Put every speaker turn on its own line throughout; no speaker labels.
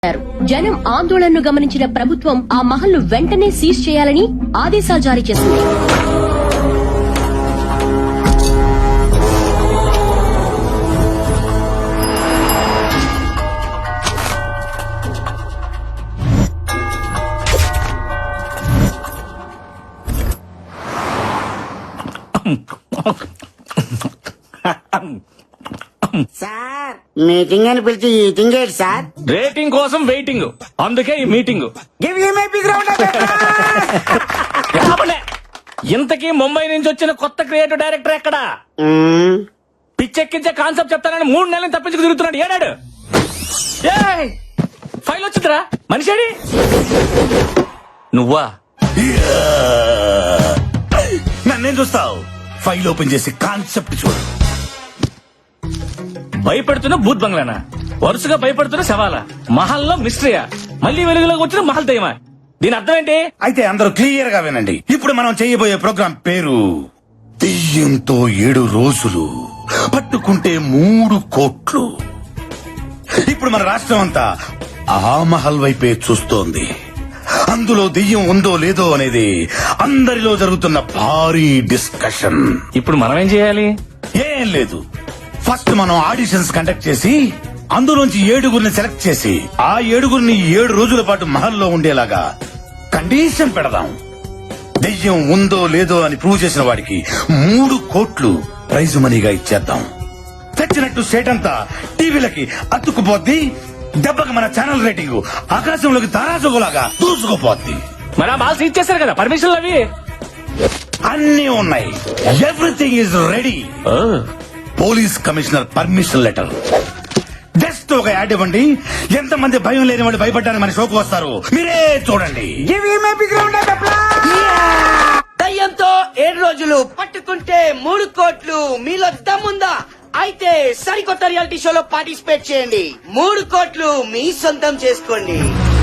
జనం ఆందోళనను గమనించిన ప్రభుత్వం ఆ మహల్ను వెంటనే సీజ్ చేయాలని ఆదేశాలు జారీ చేసింది.
సార్ మీటింగ్ అని పిలిచి ఈటింగ్ ఏంటి సార్?
రేటింగ్ కోసం వెయిటింగ్, అందుకే ఈ meeting.
Give you my big round of
ఇంతకీ ముంబై నుంచి వచ్చిన కొత్త క్రియేటివ్ డైరెక్టర్ ఎక్కడ? పిచ్చెక్కించే కాన్సెప్ట్ చెప్తానని 3 నెలలు తప్పించుకు తిరుగుతున్నాడు. ఏడాడు ఫైల్ వచ్చిందిరా, మనిషి నువ్వా?
నన్నేం చూస్తావు? ఫైల్ ఓపెన్ చేసి కాన్సెప్ట్ చూడు.
భయపెడుతున్న భూత్ బంగ్లానా? వరుసగా భయపడుతున్న శవాలా? మహల్లో మిస్టరీయా? మళ్ళీ వెలుగులోకి వచ్చిన మహల్ దయ్యమా? దీని అర్థం ఏంటి?
అయితే అందరూ క్లియర్ గా వినండి. ఇప్పుడు మనం చేయబోయే ప్రోగ్రాం పేరు దెయ్యంతో 7 రోజులు, పట్టుకుంటే 3 కోట్లు. ఇప్పుడు మన రాష్ట్రం అంతా ఆ మహల్ వైపే చూస్తోంది. అందులో దెయ్యం ఉందో లేదో అనేది అందరిలో జరుగుతున్న భారీ డిస్కషన్.
ఇప్పుడు మనం ఏం చేయాలి?
ఏం లేదు, ఫస్ట్ మనం ఆడిషన్స్ కండక్ట్ చేసి అందులోంచి 7గురిని సెలెక్ట్ చేసి ఆ 7గురిని 7 రోజుల పాటు మహల్లో ఉండేలాగా కండిషన్ పెడదాం. దెయ్యం ఉందో లేదో అని ప్రూవ్ చేసిన వాడికి 3 కోట్లు ప్రైజ్ మనీగా ఇచ్చేద్దాం. తెచ్చినట్టు స్టేట్ అంతా టీవీలకి అతుక్కుపోద్ది. దెబ్బకి మన ఛానల్ రేటింగ్ ఆకాశంలోకి తారాజుగులాగా దూసుకుపోద్ది.
మరి ఆ మాల్స్ ఇచ్చేసారు కదా, పర్మిషన్లు అవి
అన్నీ ఉన్నాయి. Everything is ready. Police commissioner permission letter. Just ఒక యాడ్ ఇవ్వండి. ఎంతమంది భయం లేని వాళ్ళు భయపడ్డానికి మన షోకు వస్తారు, మీరే చూడండి.
Give you my big round of దయ్యంతో 7 రోజులు, పట్టుకుంటే 3 కోట్లు. మీలో దమ్ముందా? అయితే సరికొత్త రియాలిటీ షోలో పార్టిసిపేట్ చేయండి. 3 కోట్లు మీ సొంతం చేసుకోండి.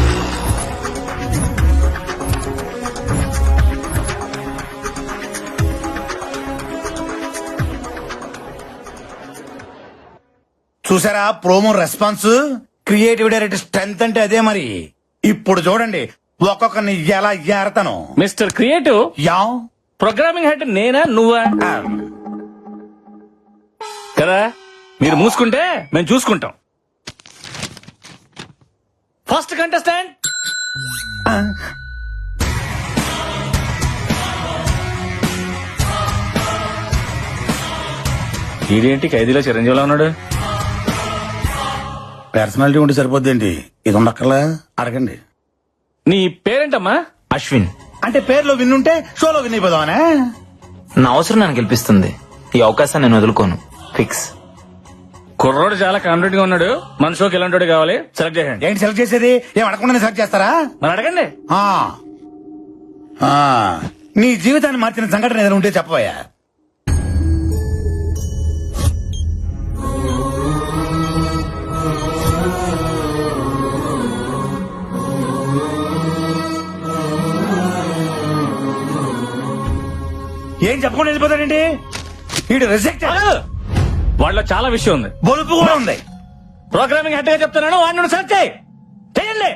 చూసారా promo response? Creative director strength అంటే అదే మరి. ఇప్పుడు చూడండి ఒక్కొక్కరిని ఎలా ఏరతాను.
Mister creative,
ya
programming head నేనా నువ్వా? కదా, మీరు మూసుకుంటే మేము చూసుకుంటాం. ఫస్ట్ కంటెస్టెంట్ ఇదేంటి ఖైదీలో చిరంజీవిలో ఉన్నాడు?
పర్సనాలిటీ ఉంటే సరిపోద్దేంటి, ఇది ఉండక్కర్లా? అడగండి.
నీ పేరేంటమ్మా?
అశ్విన్.
అంటే పేరులో విన్నుంటే షోలో విన్ అయిపోదామనే?
నా అవసరం నన్ను గెలిపిస్తుంది. ఈ అవకాశాన్ని నేను వదులుకోను. ఫిక్స్.
కుర్రోడు చాలా కాన్ఫిడెంట్ గా ఉన్నాడు. మన షోకి ఎలాంటి కావాలి సెలెక్ట్ చేయండి.
ఏంటి సెలెక్ట్ చేసేది? ఏం అడగకుండా సెలెక్ట్ చేస్తారా?
మరి అడగండి.
ఆ. ఆ. నీ జీవితాన్ని మార్చిన సంఘటన ఏదైనా ఉంటే చెప్పబోయా. ఏం చెప్పకుండా వెళ్ళిపోతాడండి వీడు? రిజెక్ట్.
వాళ్ళలో చాలా విషయం ఉంది,
బొలుపు కూడా ఉంది.
ప్రోగ్రామింగ్ హెడ్ గా చెప్తున్నాను, వాడిని సెలెక్ట్ చేయండి.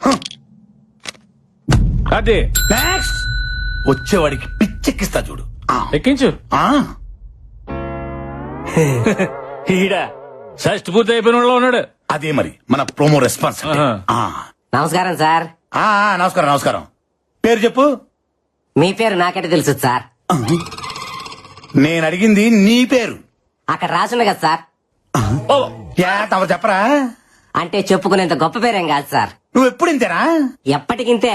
అది
నెక్స్ట్ వచ్చేవాడికి పిచ్చెక్కిస్తా చూడు.
ఎక్కించు.
ఆ.
ఈడ షష్ట్ పూర్తి అయిపోయిన వాళ్ళలో ఉన్నాడు.
అదే మరి మన ప్రోమో రెస్పాన్స్ అంటే.
ఆహా.
ఆ.
నమస్కారం సార్.
నమస్కారం నమస్కారం. పేరు చెప్పు.
మీ పేరు నాకంటే తెలుసు సార్.
నేను అడిగింది నీ పేరు.
అక్కడ రాసుంది కదా సార్.
ఓ,
తమరు చెప్పరా?
అంటే చెప్పుకునేంత గొప్ప పేరేం కాదు సార్.
నువ్వు ఎప్పుడు ఇంతేనా?
ఎప్పటికింతే.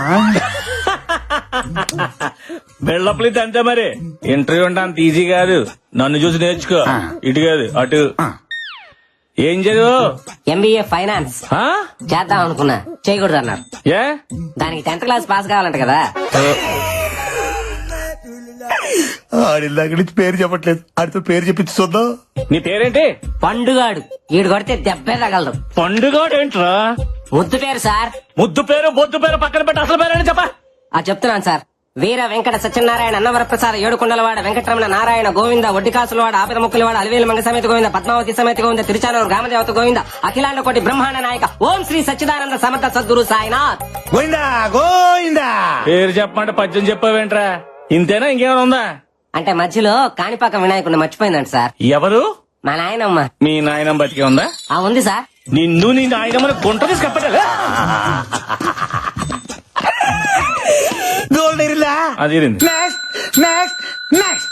బిల్డప్లు ఇది అంతే మరి. ఇంటర్వ్యూ అంటే అంత ఈజీ కాదు. నన్ను చూసి నేర్చుకో. ఇటు కాదు అటు. ఏం చదువు?
ఎంబీఏ ఫైనాన్స్ చేద్దాం అనుకున్నా, చేయకూడదు అన్నారు.
ఏ?
దానికి 10th క్లాస్ పాస్ కావాలంట కదా.
ఆడిదాకా నుంచి పేరు చెప్పట్లేదు, ఆడితో పేరు చెప్పించి చూద్దాం.
నీ పేరేంటి?
పండుగాడు. ఈడు కొడితే దెబ్బే తగలదు.
పండుగ ఏంట్రా?
ముద్దు పేరు సార్.
ముద్దు పేరు బొద్దు పేరు పక్కన పెట్టి అసలు పేరేంటి చెప్పా.
చెప్తున్నాను సార్. వీర వెంకట సత్యనారాయణ అన్నవరప్రసాద ఏడుకొండలవాడ వెంకటరమణ నారాయణ గోవింద ఒడ్డికాసులవాడ ఆపిద ముక్కులవాడ అలివేలు మంగ సమేత గోవింద పద్మావతి సమేత గోవింద తిరుచానూరు గ్రామదేవత గోవింద అఖిలాండ కోటి బ్రహ్మాండ నాయక ఓం శ్రీ సచ్చిదానంద సమర్థ సద్గురు సాయినాథ్.
గోయిందా గోయిందా.
పేరు చెప్పమంటే పద్యం చెప్పావేంట్రా? ఇంతేనా ఇంకేమైనా ఉందా?
అంటే మధ్యలో కాణిపాక వినాయకుడిని మర్చిపోయిందంట సార్.
ఎవరు?
మా నాయనమ్మ.
మీ నాయనం బతికే ఉందా?
ఉంది సార్.
నిన్ను నీ నాయనమ్మని గుంట తీసుకెప్పటలే.
గోల్డ్ ఇరిలా
అది ఇరింది.
Next next next.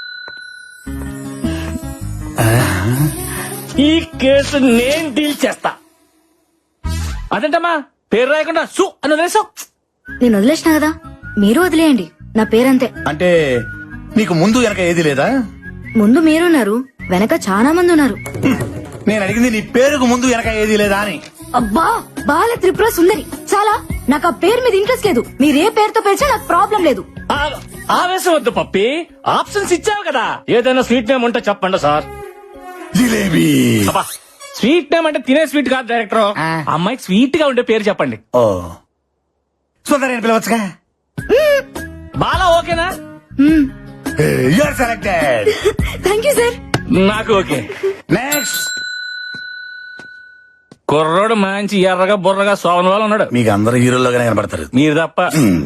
ఈ కేసు నేను డీల్ చేస్తా. అదేంటమ్మా పేరు రాయకుండా సు అని వదిలేసావు?
నేను వదిలేసిన కదా, మీరు వదిలేయండి. నా పేరంతే.
అంటే నీకు ముందు వెనక ఏది లేదా?
ముందు మీరున్నారు, వెనక చాలా మంది ఉన్నారు.
నేను అడిగింది నీ పేరుకు ముందు వెనక ఏది లేదా అని.
అబ్బా, బాల త్రిపుర సుందరి. చాలా, నాకు ఆ పేరు మీద ఇంట్రెస్ట్ లేదు. మీరే పేరుతో పిలిచినా నాకు ప్రాబ్లం లేదు.
ఆవేశం వద్దు పప్పి, ఆప్షన్స్ ఇచ్చావు కదా. ఏదైనా స్వీట్ నేమ్ ఉంటే చెప్పండి సార్.
జిలేబీ.
స్వీట్ నేమ్ అంటే తినే స్వీట్ కాదు డైరెక్టర్. అమ్మాయికి స్వీట్ గా ఉండే పేరు చెప్పండి.
ఓ సుందరి అని పిలవచ్చుగా.
బాలా ఓకేనా?
You are selected.
Thank you sir.
నాకు ఓకే.
నెక్స్ట్.
కుర్రోడు మంచి ఎర్రగా బుర్రగా సోమన్ వాళ్ళు ఉన్నాడు.
మీకు అందరు హీరోలుగానే కనబడతారు.
మీరు తప్ప.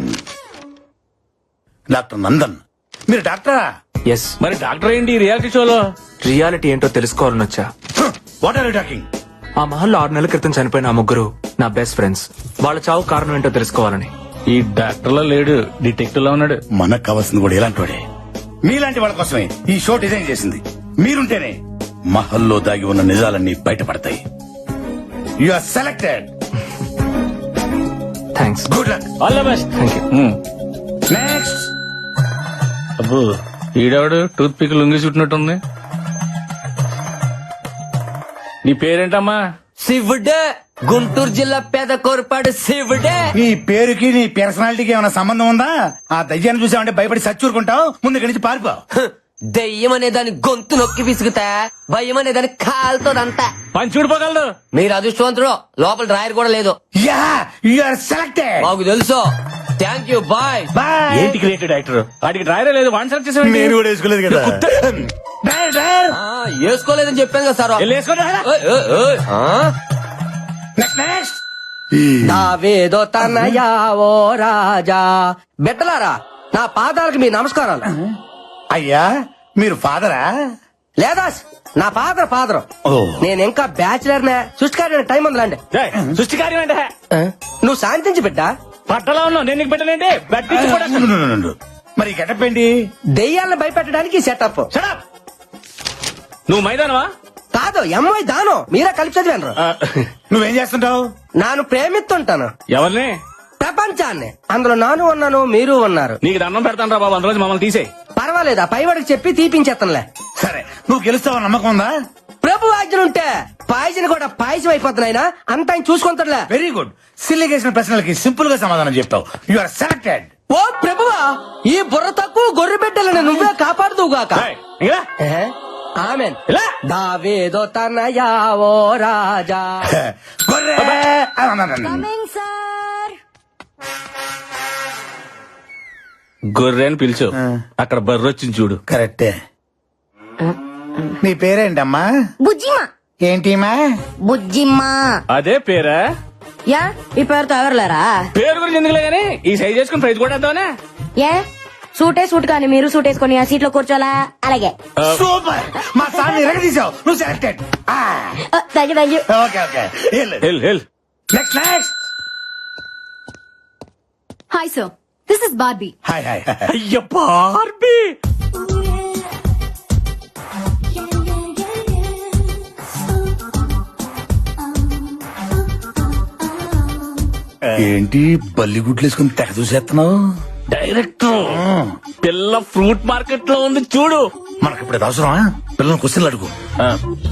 డాక్టర్ నందన్. మీరు డాక్టరా?
ఎస్.
మరి డాక్టర్ ఏంటి రియాలిటీ షోలో?
రియాలిటీ ఏంటో తెలుసుకోవాలని వచ్చా.
What are you talking?
ఆ మహల్లో 6 నెలల క్రితం చనిపోయిన ఆ ముగ్గురు నా బెస్ట్ ఫ్రెండ్స్. వాళ్ళ చావు కారణం ఏంటో తెలుసుకోవాలని.
ఈ డాక్టర్ లో లేడు, డిటెక్టివ్ లో ఉన్నాడు.
మనకు కావాల్సింది కూడా ఇలాంటి వాడే. మీలాంటి వాళ్ళ కోసమే ఈ షో డిజైన్ చేసింది. మీరుంటేనే మహల్లో దాగి ఉన్న నిజాలన్నీ బయటపడతాయి. You are selected.
Thanks.
Good luck.
All the best.
Thank you.
Next.
అబ్బో ఈడవాడు టూత్ పిక్ లొంగి చుట్టినట్టుంది. నీ పేరేంటమ్మా?
శివుడే, గుంటూరు జిల్లా పేద కోరపాడు శివుడే.
నీ పేరుకి నీ పర్సనాలిటీకి ఏమైనా సంబంధం ఉందా? ఆ దయ్యాన్ని చూసావంటే భయపడి సచ్చూరుకుంటావు. ముందు ఇక్కడి నుంచి పారిపో.
దెయ్యం అనే దాని గొంతు నొక్కి విసుగుతా, భయం అనే దాని కాలుతోదంతా.
పని చూడిపోగలదు.
మీరు అదృష్టవంతుడు, లోపల డ్రాయర్ కూడా లేదు.
Ya, you are selected.
మాకు తెలుసు. Thank you, bye.
బాయ్.
ఏంటి క్రియేటెడ్ యాక్టర్? వాడికి డ్రైవరే లేదు, వన్ సెలెక్ట్ చేసాడు.
నేను కూడా వేసుకోలేదు కదా. Driver, driver.
వేసుకోలేదని చెప్పాను కదా సార్.
Next next.
దావేదో తనయా ఓ రాజా. బిడ్డలారా, నా పాదాలకు మీ నమస్కారాలు.
అయ్యా, మీరు ఫాదరా?
లేదా నా ఫాదర్.
ఓ.
నేను ఇంకా బ్యాచిలర్ నే. సృష్టికారి టైం ఉందిలాండి.
సృష్టి కార్యం అంటే
నువ్వు శాంతించి బిడ్డ.
పట్టలో ఉన్నావు, నేను నీకు పెట్టలేంటి? బట్టి కూడా
మరి గెటప్ ఏంటి?
దెయ్యాలను భయపెట్టడానికి సెటప్.
Shut up. నువ్వు మైదానవా?
కాదు, ఎంఐ దాను. మీరే కలిపి చదివాను.
నువ్వేం చేస్తుంటావు?
నాను ప్రేమిస్తుంటాను
ఎవరిని?
ప్రపంచాన్ని. అందులో నాను ఉన్నాను, మీరు ఉన్నారు.
నీకు దండం పెడతాను రా బాబు, అందులో మమ్మల్ని తీసేయి.
పర్వాలేదు, ఆ పైవాడికి చెప్పి తీపించేస్తానులే.
సరే, నువ్వు గెలుస్తావని నమ్మకం ఉందా?
ప్రభు ఆజ్ఞలుంటే పాయసం కూడా పాయసం అయిపోతున్నాయినా అంత ఆయన చూసుకుంటాడులే.
Very good. సిల్లి చేసిన ప్రశ్నలకి సింపుల్ గా సమాధానం చెప్తావు. You are selected.
ఓ ప్రభువా, ఈ బుర్ర తక్కువ గొర్రె బిడ్డలను నువ్వే కాపాడుదువుగాక.
ఏయ్, ఇంకా రా.
ఆమెన్.
ఇలా.
దావేదో తనయా ఓ రాజా.
గొర్రె.
సార్,
గొర్రె అని పిలిచు, అక్కడ బర్రె వచ్చింది చూడు.
కరెక్టే. నీ పేరేంటమ్మా?
బుజ్జిమా.
ఏంటిమా?
బుజ్జిమ్మా.
అదే పేరా?
యా, ఈ పేరుతో ఎవరులేరా?
పేరు గురించి ఎందుకులే గానీ ఈ సైజ్ చేసుకుని ప్రైజ్ కూడా వేద్దామనే.
ఏ సూటే సూట్ కానీ మీరు సూట్ వేసుకొని ఆ సీట్ లో కూర్చోలా? అలాగే.
సూపర్. మా సార్ ఎరగదీసావు. నువ్వు selected.
Thank you.
Okay okay.
Hell
next next.
Hi sir, this is Barbie.
Hi hi.
అయ్య బార్బీ.
ఏంటి బల్లి గుడ్లు వేసుకుని తెగ చూసేస్తున్నావు?
డైరెక్టర్, పిల్ల ఫ్రూట్ మార్కెట్ లో ఉంది చూడు.
మనకి ఇప్పుడు అవసరమా? పిల్లలు క్వశ్చన్లు అడుగు.